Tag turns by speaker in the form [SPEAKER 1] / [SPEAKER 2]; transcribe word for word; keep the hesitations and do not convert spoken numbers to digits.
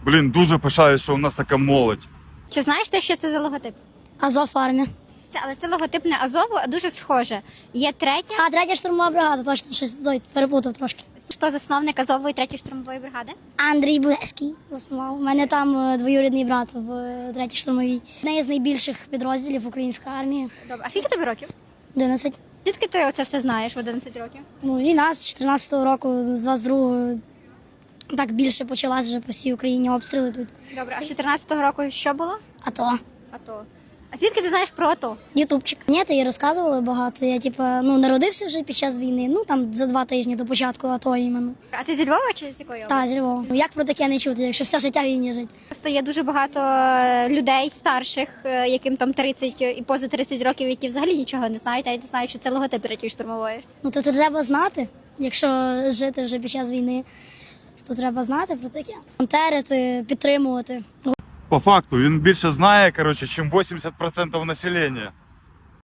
[SPEAKER 1] Блін, дуже пишаюсь, що у нас така молодь.
[SPEAKER 2] Чи знаєш ти, що це за логотип?
[SPEAKER 3] Азов армія.
[SPEAKER 2] Це, але це логотип не Азову, а дуже схоже. Є третя.
[SPEAKER 3] А, третя штурмова бригада, точно, щось той, переплутав трошки.
[SPEAKER 2] Хто засновник Азової третьої штурмової бригади?
[SPEAKER 3] Андрій Булевський заснував. У мене там е, двоюрідний брат в е, третій штурмовій. Одне з найбільших підрозділів української армії.
[SPEAKER 2] Добре. А скільки тобі років?
[SPEAKER 3] одинадцять.
[SPEAKER 2] Звідки ти оце все знаєш в одинадцять років?
[SPEAKER 3] Ну, війна з чотирнадцятого року, з двадцять другого так більше почалась вже по всій Україні обстріли тут.
[SPEAKER 2] Добре, а з чотирнадцятого року що було?
[SPEAKER 3] А то
[SPEAKER 2] АТО. А звідки ти знаєш про АТО?
[SPEAKER 3] ютубчик. Ні, то їй розказували багато. Я типа ну народився вже під час війни. Ну там за два тижні до початку АТО іменно.
[SPEAKER 2] А ти зі Львова чи з якої?
[SPEAKER 3] Та зі Львова. Ну, як про таке не чути, якщо все життя в війні жить?
[SPEAKER 2] Просто є дуже багато е, людей старших, е, яким там тридцять і поза тридцять років, які взагалі нічого не знають, а й не знають, що це логотип третьої штурмової.
[SPEAKER 3] Ну то це треба знати, якщо жити вже під час війни, то треба знати про таке. Волонтерити, підтримувати.
[SPEAKER 1] По факту, він більше знає, коротше, ніж вісімдесят відсотків населення.